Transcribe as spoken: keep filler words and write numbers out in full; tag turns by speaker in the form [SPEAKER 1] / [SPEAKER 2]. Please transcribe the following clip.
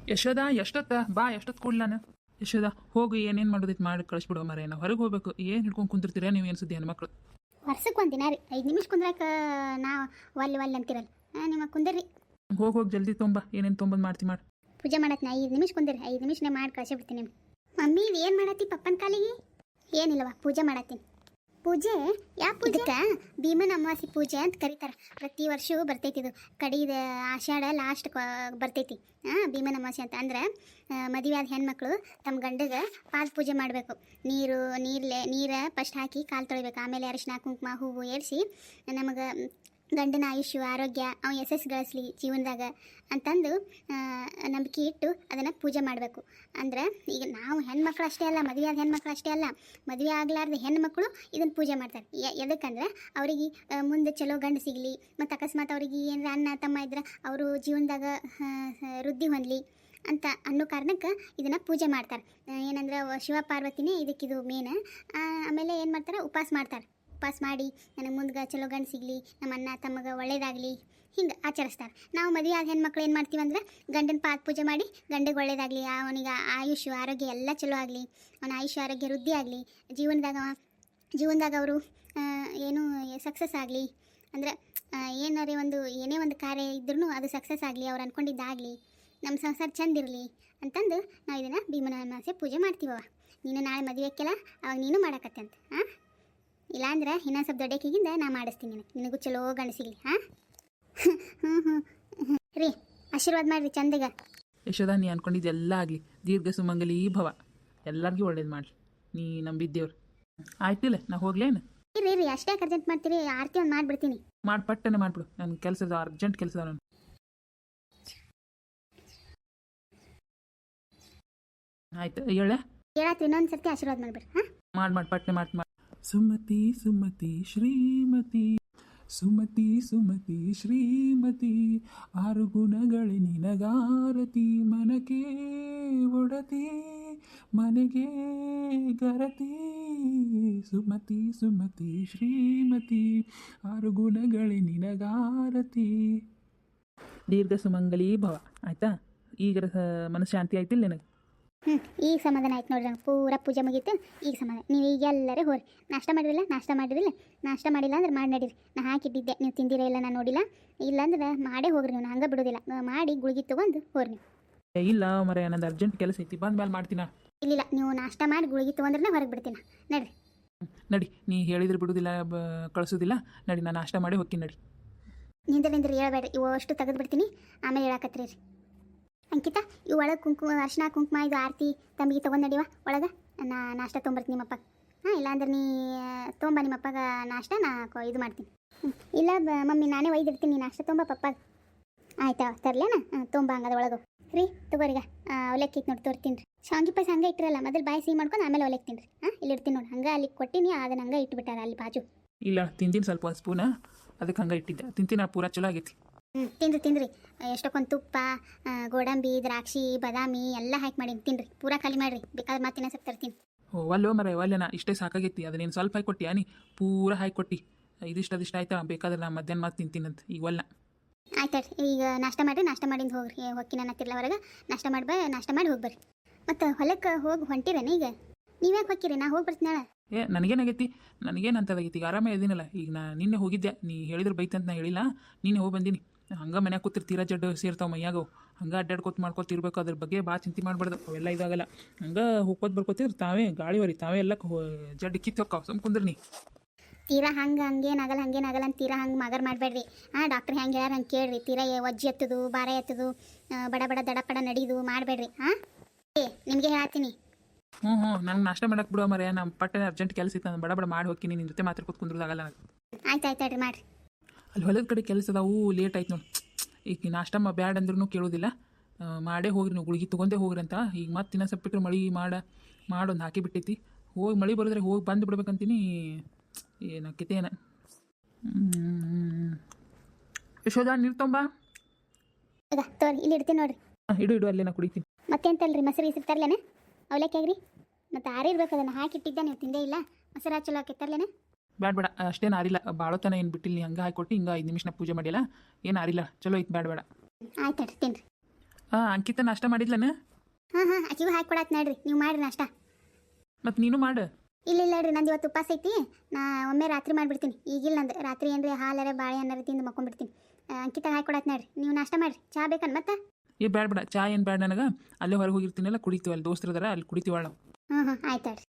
[SPEAKER 1] ಯಶೋದ ಎಷ್ಟೊತ್ತ ಬಾ ಎಷ್ಟೊತ್ತು ಕೊಡ್ಲಿ ನಾನು. ಯಶೋದ ಹೋಗಿ ಏನೇನು ಮಾಡೋದಿತ್ತು ಮಾಡಿ ಕಳಿಸ್ಬಿಡೋ ಮರ. ನಾವು ಹೊರಗೆ ಹೋಗ್ಬೇಕು. ಏನು ಹಿಡ್ಕೊಂಡು ಕುಂತಿರ್ತೀರ ನೀವು? ಏನು ಸುದ್ದಿ ಹೆಣ್ಮಕ್ಳು?
[SPEAKER 2] ವರ್ಷಕ್ಕೆ ಒಂದು ದಿನ ರೀ ಐದು ನಿಮಿಷ ಕುಂದ್ರಾಕ ನಾವು ಒಲ್ಲೆ ಒಲ್ಲೆ ಅಂತಿರಲ್ಲ. ಹಾಂ ನಿಮ್ಮ ಕುಂದಿರ್ರಿ.
[SPEAKER 1] ಹೋಗಿ ಹೋಗಿ ಜಲ್ದಿ ತೊಂಬ. ಏನೇನು ತೊಂಬಂದು ಮಾಡ್ತಿ ಮಾಡಿ.
[SPEAKER 2] ಪೂಜೆ ಮಾಡತ್ನ ಐದು ನಿಮಿಷ ಕುಂದಿರಿ. ಐದು ನಿಮಿಷನೇ ಮಾಡಿ ಕಳಿಸಿ ಬಿಡ್ತೀನಿ ನಿಮ್ಗೆ. ಮಮ್ಮಿ ಏನು ಮಾಡತ್ತಿ ಪಪ್ಪನ ಕಾಲಿಗೆ? ಏನಿಲ್ಲವ ಪೂಜೆ ಮಾಡತ್ತೀನಿ. ಪೂಜೆ ಯಾವ ಪೂಜೆ? ಭೀಮನ ಅಮಾವಾಸ್ಯೆ ಪೂಜೆ ಅಂತ ಕರೀತಾರೆ. ಪ್ರತಿ ವರ್ಷವೂ ಬರ್ತೈತಿ ಇದು. ಕಡಿದ ಆಷಾಢ ಲಾಸ್ಟ್ ಬರ್ತೈತಿ. ಹಾಂ ಭೀಮನ ಅಮಾವಾಸ್ಯೆ ಅಂತ ಅಂದ್ರೆ ಮದುವೆ ಆದ ಹೆಣ್ಮಕ್ಳು ತಮ್ಮ ಗಂಡಗೆ ಪಾದ ಪೂಜೆ ಮಾಡಬೇಕು. ನೀರು ನೀರ್ಲೆ ನೀರು ಫಸ್ಟ್ ಹಾಕಿ ಕಾಲು ತೊಳಿಬೇಕು. ಆಮೇಲೆ ಅರಿಶಿನ ಕುಂಕುಮ ಹೂವು ಏರಿಸಿ ನಮಗೆ ಗಂಡನ ಆಯುಷ್ಯ ಆರೋಗ್ಯ ಅವ ಯಶಸ್ಸು ಗಳಿಸ್ಲಿ ಜೀವನದಾಗ ಅಂತಂದು ನಂಬಿಕೆ ಇಟ್ಟು ಅದನ್ನು ಪೂಜೆ ಮಾಡಬೇಕು. ಅಂದ್ರೆ ಈಗ ನಾವು ಹೆಣ್ಮಕ್ಳು ಅಷ್ಟೇ ಅಲ್ಲ, ಮದುವೆ ಆದ ಹೆಣ್ಮಕ್ಳು ಅಷ್ಟೇ ಅಲ್ಲ, ಮದುವೆ ಆಗ್ಲಾರ್ದ ಹೆಣ್ಮಕ್ಳು ಇದನ್ನು ಪೂಜೆ ಮಾಡ್ತಾರೆ. ಎದಕ್ಕಂದ್ರೆ ಅವ್ರಿಗೆ ಮುಂದೆ ಚಲೋ ಗಂಡು ಸಿಗಲಿ, ಮತ್ತು ಅಕಸ್ಮಾತ್ ಅವ್ರಿಗೆ ಏನಾರ ಅಣ್ಣ ತಮ್ಮ ಇದ್ರೆ ಅವರು ಜೀವನದಾಗ ವೃದ್ಧಿ ಹೊಂದಲಿ ಅಂತ ಅನ್ನೋ ಕಾರಣಕ್ಕೆ ಇದನ್ನು ಪೂಜೆ ಮಾಡ್ತಾರೆ. ಏನಂದ್ರೆ ಶಿವ ಪಾರ್ವತಿನೇ ಇದಕ್ಕಿದು ಮೇನ್. ಆಮೇಲೆ ಏನು ಮಾಡ್ತಾರೆ, ಉಪವಾಸ ಮಾಡ್ತಾರೆ. ಉಪವಾಸ ಮಾಡಿ ನನಗೆ ಮುಂದೆ ಚಲೋ ಗಂಡು ಸಿಗಲಿ, ನಮ್ಮ ಅಣ್ಣ ತಮಗೆ ಒಳ್ಳೇದಾಗಲಿ ಹಿಂಗೆ ಆಚರಿಸ್ತಾರೆ. ನಾವು ಮದುವೆ ಆದ ಹೆಣ್ಮಕ್ಳು ಏನು ಮಾಡ್ತೀವಿ ಅಂದ್ರೆ ಗಂಡನ ಪಾದ ಪೂಜೆ ಮಾಡಿ ಗಂಡಿಗೆ ಒಳ್ಳೇದಾಗಲಿ, ಅವನಿಗೆ ಆಯುಷ್ ಆರೋಗ್ಯ ಎಲ್ಲ ಚಲೋ ಆಗಲಿ, ಅವನ ಆಯುಷ್ ಆರೋಗ್ಯ ವೃದ್ಧಿ ಆಗಲಿ, ಜೀವನದಾಗ ಜೀವನದಾಗ ಅವರು ಏನು ಸಕ್ಸಸ್ ಆಗಲಿ, ಅಂದರೆ ಏನಾರೇ ಒಂದು ಏನೇ ಒಂದು ಕಾರ್ಯ ಇದ್ರೂ ಅದು ಸಕ್ಸಸ್ ಆಗಲಿ, ಅವ್ರು ಅಂದ್ಕೊಂಡಿದ್ದಾಗಲಿ, ನಮ್ಮ ಸಂಸಾರ ಚಂದ ಇರಲಿ ಅಂತಂದು ನಾವು ಇದನ್ನು ಭೀಮನ ಅಮಾವಾಸ್ಯೆ ಪೂಜೆ ಮಾಡ್ತೀವವ. ನೀನು ನಾಳೆ ಮದುವೆಕ್ಕೆಲ್ಲ ಅವಾಗ ನೀನು ಮಾಡಕತ್ತೆ ಅಂತ. ಹಾಂ ಇಲ್ಲಾಂದ್ರೆ ಇನ್ನೊಂದು ಸ್ವಲ್ಪ ದೊಡ್ಡಕ್ಕಿಗಿಂದ ನಾ ಮಾಡಿಸ್ತೀನಿ ನಿನಗೆ, ನಿನಗೂ ಚಲೋ ಗಂಡು ಸಿಗಲಿ. ಹಾಂ ಹ್ಞೂ ಹ್ಞೂ ರೀ ಆಶೀರ್ವಾದ ಮಾಡಿರಿ ಚಂದಗ.
[SPEAKER 1] ಯಶೋದ ನೀ ಅನ್ಕೊಂಡಿದ್ದೆಲ್ಲ ಆಗಲಿ, ದೀರ್ಘ ಸುಮಂಗಲಿ ಭವ, ಎಲ್ಲರಿಗೂ ಒಳ್ಳೇದು ಮಾಡಲಿ. ನೀ ನಂಬಿದ್ದೇವ್ರು. ಆಯ್ತಿಲ್ಲ ನಾ ಹೋಗ್ಲೇನು?
[SPEAKER 2] ರೀ ರೀ ಅಷ್ಟೇ ಅರ್ಜೆಂಟ್ ಮಾಡ್ತೀರಿ? ಆರತಿ ಒಂದು ಮಾಡಿಬಿಡ್ತೀನಿ.
[SPEAKER 1] ಮಾಡಿ ಪಟ್ಟನೆ ಮಾಡಿಬಿಡು. ನನ್ನ ಕೆಲಸದ ಅರ್ಜೆಂಟ್ ಕೆಲಸ ನಾನು. ಆಯ್ತು ಹೇಳ
[SPEAKER 2] ಹೇಳತ್ರಿ ಇನ್ನೊಂದು ಸರ್ತಿ ಆಶೀರ್ವಾದ ಮಾಡಿಬಿಡ್ರಿ. ಹಾಂ
[SPEAKER 1] ಮಾಡಿ ಮಾಡಿ ಪಟ್ಟನೆ ಮಾಡಿ ಮಾಡಿ. ಸುಮತಿ ಸುಮತಿ ಶ್ರೀಮತಿ, ಸುಮತಿ ಸುಮತಿ ಶ್ರೀಮತಿ, ಆರು ಗುಣಗಳೇ ನಿನಗಾರತಿ, ಮನಕ್ಕೆ ಒಡತಿ ಮನೆಗೆ ಗರತಿ. ಸುಮತಿ ಸುಮತಿ ಶ್ರೀಮತಿ, ಆರು ಗುಣಗಳೇ ನಿನಗಾರತಿ. ದೀರ್ಘ ಸುಮಂಗಲಿ ಭವ. ಆಯ್ತಾ? ಈಗ ಮನಃಶಾಂತಿ ಆಯ್ತಿಲ್ಲ ನಿನಗೆ?
[SPEAKER 2] ಹ್ಞೂ ಈಗ ಸಮಾಧಾನ ಆಯ್ತು ನೋಡ್ರಿ. ನಂಗೆ ಪೂರ ಪೂಜೆ ಮುಗೀತು. ಈಗ ಸಮಾಧಾನ. ನೀವು ಈಗ ಎಲ್ಲರೂ ಹೋರಿ. ನಾಷ್ಟ ಮಾಡಿರಲಿಲ್ಲ? ನಾಷ್ಟ ಮಾಡಿರಲಿಲ್ಲ? ನಾಷ್ಟ ಮಾಡಿಲ್ಲ ಅಂದ್ರೆ ಮಾಡಿ ನಡೀರಿ. ನಾ ಹಾಕಿಟ್ಟಿದ್ದೆ, ನೀವು ತಿಂದಿರ ಇಲ್ಲ ನಾನು ನೋಡಿಲ್ಲ. ಇಲ್ಲಾಂದ್ರೆ ಮಾಡೇ ಹೋಗ್ರಿ ನೀವು, ಹಂಗೆ ಬಿಡೋದಿಲ್ಲ. ಮಾಡಿ ಗುಳಿಗೆ ತೊಗೊಂಡು ಹೋರಿ ನೀವು.
[SPEAKER 1] ಇಲ್ಲ ಮರ ನಂದು ಅರ್ಜೆಂಟ್ ಕೆಲಸ ಐತಿ, ಬಂದ ಮೇಲೆ ಮಾಡ್ತೀನ.
[SPEAKER 2] ಇಲ್ಲ ನೀವು ನಾಷ್ಟ ಮಾಡಿ ಗುಳಿಗೆ ತೊಗೊಂಡ್ರೆ ಹೊರಗೆ ಬಿಡ್ತೀನಿ. ನಡ್ರಿ
[SPEAKER 1] ನಡಿ. ನೀ ಹೇಳಿದ್ರೆ ಬಿಡೋದಿಲ್ಲ, ಕಳಿಸೋದಿಲ್ಲ. ನಡಿ ನಾನು ನಾಷ್ಟ ಮಾಡಿ ಹೋಗ್ತೀನಿ. ನಡಿ.
[SPEAKER 2] ನಿಂದ್ರೆ ನಿಂದ್ರೆ ಹೇಳ್ಬೇಡ್ರಿ, ಇವು ಅಷ್ಟು ತೆಗೆದು ಬಿಡ್ತೀನಿ. ಆಮೇಲೆ ಹೇಳಕತ್ರಿ ರೀ. ಅಂಕಿತಾ ಇವು ಒಳಗೆ ಕುಂಕುಮ ಅರ್ಶಿನ ಕುಂಕುಮ ಇದು ಆರತಿ ತಂಬಿಗೆ ತೊಗೊಂಡು ನಡಿವ ಒಳಗೆ. ನಾ ನಾಷ್ಟ ತೊಗೊಂಬರ್ತೀನಿ ನಿಮ್ಮಪ್ಪ. ಹಾಂ ಇಲ್ಲಾಂದ್ರೆ ನೀ ತೊಗೊಂಬ ನಿಮ್ಮಪ್ಪಗ ನಾಷ್ಟ, ನಾ ಇದು ಮಾಡ್ತೀನಿ. ಹ್ಞೂ ಇಲ್ಲ ಮಮ್ಮಿ ನಾನೇ ಒಯ್ದಿರ್ತೀನಿ, ನಾಷ್ಟ ತೊಂಬ ಪಪ್ಪ. ಆಯ್ತಾ ತರಲೇನಾ? ಹಾಂ ತೊಂಬ ಹಂಗದ ಒಳಗೆ ರೀ. ತಗೋರಿಗ ಅವಲಕ್ಕಿ ಇತ್ತು ನೋಡಿ ತೋರ್ತೀನಿ ರೀ. ಶಾವಿಗೆ ಪಾಯಸ ಹಂಗೆ ಇಟ್ಟಿರಲ್ಲ, ಮೊದಲು ಬಾಯಿ ಸಿಹಿ ಮಾಡ್ಕೊಂಡು ಆಮೇಲೆ ಅವಲಕ್ಕಿ ರೀ. ಹಾಂ ಇಲ್ಲಿ ಇಡ್ತೀನಿ ನೋಡಿ. ಹಂಗೆ ಅಲ್ಲಿ ಕೊಟ್ಟಿನಿ, ಅದನ್ನ ಹಂಗೆ ಇಟ್ಬಿಟ್ಟಾರ ಅಲ್ಲಿ ಬಾಜು.
[SPEAKER 1] ಇಲ್ಲ ತಿಂತೀನಿ ಸ್ವಲ್ಪ ಒಂದು ಸ್ಪೂನ, ಅದಕ್ಕೆ ಹಂಗೆ ಇಟ್ಟಿದ್ದೆ. ತಿಂತೀನಿ, ಪೂರ ಚಲೋ ಆಗೈತಿ.
[SPEAKER 2] ಹ್ಞೂ ತಿನ್ರಿ ತಿನ್ರಿ. ಎಷ್ಟೊಂದು ತುಪ್ಪ, ಗೋಡಂಬಿ, ದ್ರಾಕ್ಷಿ, ಬಾದಾಮಿ ಎಲ್ಲ ಹಾಕಿ ಮಾಡಿ ತಿನ್ರಿ. ಪೂರಾ ಖಾಲಿ ಮಾಡಿರಿ. ಬೇಕಾದ್ರೆ ಮತ್ತೆ ಸ್ವಲ್ಪ ತರ್ತೀನಿ.
[SPEAKER 1] ಓ ಒಲ್ಲೋ ಮರ ಒಲ್ಲೆನಾ, ಇಷ್ಟೇ ಸಾಕಾಗೈತಿ. ಅದನ್ನೇನು ಸ್ವಲ್ಪ ಹಾಕಿ ಕೊಟ್ಟಿ ನೀ? ಪೂರ ಹಾಕಿ ಕೊಟ್ಟು ಇದಿಷ್ಟು ಅದಿಷ್ಟು ಆಯ್ತಾ? ಬೇಕಾದ್ರೆ ನಾ ಮಧ್ಯಾಹ್ನ ಮಾತು ತಿಂತೀನಂತ. ಈಗ ಒಲ್ಲ
[SPEAKER 2] ಆಯ್ತು ರೀ. ಈಗ ನಾಷ್ಟ ಮಾಡಿರಿ. ನಾಷ್ಟ ಮಾಡಿಂದ ಹೋಗ್ರಿ. ಹೋಗಿ ನಾನು ಹತ್ತಿರಲ್ಲ ಹೊರಗೆ. ನಾಷ್ಟ ಮಾಡಿ ಬ ನಾಷ್ಟ ಮಾಡಿ ಹೋಗಿ ಬರ್ರಿ. ಮತ್ತು ಹೊಲಕ್ಕೆ ಹೋಗಿ ಹೊಂಟಿರೇನ ಈಗ? ನೀವ್ಯಾಕೆ ಹೋಗ್ತೀರಿ? ನಾ ಹೋಗಿ ಬರ್ತೀನಿ ನಾಳೆ.
[SPEAKER 1] ಏ ನನಗೇನಾಗೈತಿ? ನನಗೇನು ಅಂತದಾಗೈತಿ? ಈಗ ಆರಾಮೇ ಇದೀನಲ್ಲ. ಈಗ ನಾ ನಿನ್ನೆ ಹೋಗಿದ್ದೆ, ನೀ ಹೇಳಿದ್ರೆ ಬೈತಂತ ನಾ ಹೇಳಿಲ್ಲ. ನೀನೆ ಹೋಗಿ ಬಂದೀನಿ. ಹಂಗೆ ಮನ್ಯಾಗ ಕೂತಿರ್ ತೀರಾ ಜಡ್ಡು ಸೇರ್ತಾವೆ ಮೈಯಾಗವು. ಹಂಗೆ ಅಡ್ಡಾಡ್ಕೊತ ಮಾಡ್ಕೊತಿರ್ಬೇಕು. ಅದ್ರ ಬಗ್ಗೆ ಭಾಳ ಚಿಂತೆ ಮಾಡಬಾರ್ದು. ಅವೆಲ್ಲ ಇದಾಗಲ್ಲ. ಹಂಗೆ ಹೋಗ್ಕೋತ ಬರ್ಕೋತಿದ್ರು ತಾವೇ ಗಾಳಿ ಹೊರಿ ತಾವೇ ಎಲ್ಲ ಜಡ್ಡು ಕಿತ್ತು ಹೋಗ್ತಾವೆ. ಸುಮ್ ಕುಂದ್ರಿ ನೀ.
[SPEAKER 2] ತೀರಾ ಹಂಗೆ ಹಂಗೇನಾಗಲ್ಲ ಹಂಗೇನಾಗಲ್ಲ ಅಂತ ತೀರಾ ಹಂಗೆ ಮಗರ್ ಮಾಡಬೇಡ್ರಿ. ಹಾಂ ಡಾಕ್ಟ್ರ್ ಹೆಂಗೆ ಹೇಳ್ಯಾರ ಹಂಗೆ ಕೇಳ್ರಿ. ತೀರಾ ಒಜ್ಜಿ ಎತ್ತದು, ಭಾರ ಎತ್ತದು, ಬಡ ಬಡ ದಡಪಡ ನಡೀದು ಮಾಡಬೇಡ್ರಿ. ಹಾಂ ಏ ನಿಮಗೆ ಹೇಳ್ತೀನಿ.
[SPEAKER 1] ಹ್ಞೂ ಹ್ಞೂ ನಂಗೆ ನಾಷ್ಟ ಮಾಡಕ್ಕೆ ಬಿಡೋ ಮರೆ. ನಮ್ಮ ಪಟ್ಟನೆ ಅರ್ಜೆಂಟ್ ಕೆಲಸ ಇತ್ತು, ನಾನು ಬಡ ಬಡ ಮಾಡಿ ಹೋಗ್ತೀನಿ. ನಿನ್ನ ಜೊತೆ ಮಾತ್ರ ಕೂತ್ಕೊಂಡ್ರದಾಗಲ್ಲ ನನಗೆ.
[SPEAKER 2] ಆಯ್ತು ಆಯ್ತು ಹೇಳ್ರಿ ಮಾಡಿರಿ. ಅಲ್ಲಿ
[SPEAKER 1] ಹೊಲದ ಕಡೆ ಕೆಲಸ ಅದಾವು, ಲೇಟ್ ಆಯ್ತು ನೋಡಿ. ಈಗ ನಾಷ್ಟ ಬ್ಯಾಡ್ ಅಂದ್ರೂ ಕೇಳೋದಿಲ್ಲ. ಮಾಡೇ ಹೋಗ್ರಿ ನೀವು, ಗುಳಿಗೆ ತೊಗೊಂಡೇ ಹೋಗ್ರಿ ಅಂತ. ಈಗ ಮತ್ತೆ ಇನ್ನೂ ಸ್ವಲ್ಪ ಬಿಟ್ಟರೆ ಮಳೆ ಮಾಡ ಮಾಡೊಂದು ಹಾಕಿ ಬಿಟ್ಟೈತಿ. ಹೋಗಿ ಮಳೆ ಬರೋದ್ರೆ ಹೋಗಿ ಬಂದು ಬಿಡ್ಬೇಕಂತೀನಿ. ಏನಾಕೈತಿ ಏನ? ಯಶೋದ ನೀರು ತೊಂಬ.
[SPEAKER 2] ತೋರಿ ಇಲ್ಲಿ ಇಡ್ತೀನಿ ನೋಡ್ರಿ.
[SPEAKER 1] ಹಾಂ ಇಡು ಇಡು, ಅಲ್ಲೇ ನಾ ಕುಡಿತೀನಿ.
[SPEAKER 2] ಮತ್ತೆಂತಲ್ರಿ ಮೊಸರು ಇಸಿರು ತರ್ಲೇನೆ? ಅವಲಕ್ಕಿ ಆಗ್ರಿ. ಮತ್ತು ಆರಿರ್ಬೇಕು, ಅದನ್ನು ಹಾಕಿಟ್ಟಿದ್ದೆ ನೀವು ತಿಂದೇ ಇಲ್ಲ. ಮೊಸರು ಚಲೋ ಹಾಕಿ ತರ್ಲೇನೆ?
[SPEAKER 1] ಬ್ಯಾಡ ಬೇಡ, ಅಷ್ಟೇನು ಆರಿಲ್ಲ. ಬಾಳೋತನ ಏನು ಬಿಟ್ಟಿಲ್ಲ. ನೀ ಹಂಗೆ ಹಾಕಿ ಕೊಟ್ಟು ಹಿಂಗೆ ಐದು ನಿಮಿಷ ಪೂಜೆ ಮಾಡಿಲ್ಲ. ಏನು ಆರಿಲ್ಲ, ಚಲೋ ಐತೆ. ಬ್ಯಾಡ ಬೇಡ.
[SPEAKER 2] ಆಯ್ತು ತಿನ್ರಿ.
[SPEAKER 1] ಹಾಂ ಅಂಕಿತ ನಾಷ್ಟ ಮಾಡಿದ್ಲನ?
[SPEAKER 2] ಹಾಂ ಹಾಂ ಆಕಿಗೂ ಹಾಕಿ ಕೊಡಾತ್ ನೋಡ್ರಿ, ನೀವು ಮಾಡ್ರಿ ನಾಷ್ಟ.
[SPEAKER 1] ಮತ್ತು ನೀನು ಮಾಡು.
[SPEAKER 2] ಇಲ್ಲ ಇಲ್ಲ ರೀ, ನಂದು ಇವತ್ತು ಉಪವಾಸ ಐತಿ. ನಾ ಒಮ್ಮೆ ರಾತ್ರಿ ಮಾಡಿಬಿಡ್ತೀನಿ. ಈಗಿಲ್ಲ ನಂದು ರಾತ್ರಿ ಏನ್ರಿ ಹಾಲರ ಬಾಳೆ ಅನ್ನಾರ ತಿಂದು ಮಕ್ಕೊಂಡ್ಬಿಡ್ತೀನಿ. ಅಂಕಿತ ಹಾಕಿ ಕೊಡಾತ್ ನೋಡ್ರಿ, ನೀವು ನಾಷ್ಟ ಮಾಡ್ರಿ. ಚಾ ಬೇಕನ್ ಮತ್ತೆ?
[SPEAKER 1] ಏ ಬ್ಯಾಡ ಬೇಡ, ಚಾ ಏನು ಬ್ಯಾಡ ನನಗೆ. ಅಲ್ಲೇ ಹೊರಗೆ ಹೋಗಿರ್ತೀನಲ್ಲ ಕುಡಿತೀವಿ, ಅಲ್ಲಿ ದೋಸ್ತರದಾರ ಅಲ್ಲಿ ಕುಡಿತೀವಳ ನಾವು.
[SPEAKER 2] ಹ್ಞೂ ಹ್ಞೂ ಆಯ್ತು ಹೇಳ್ರಿ.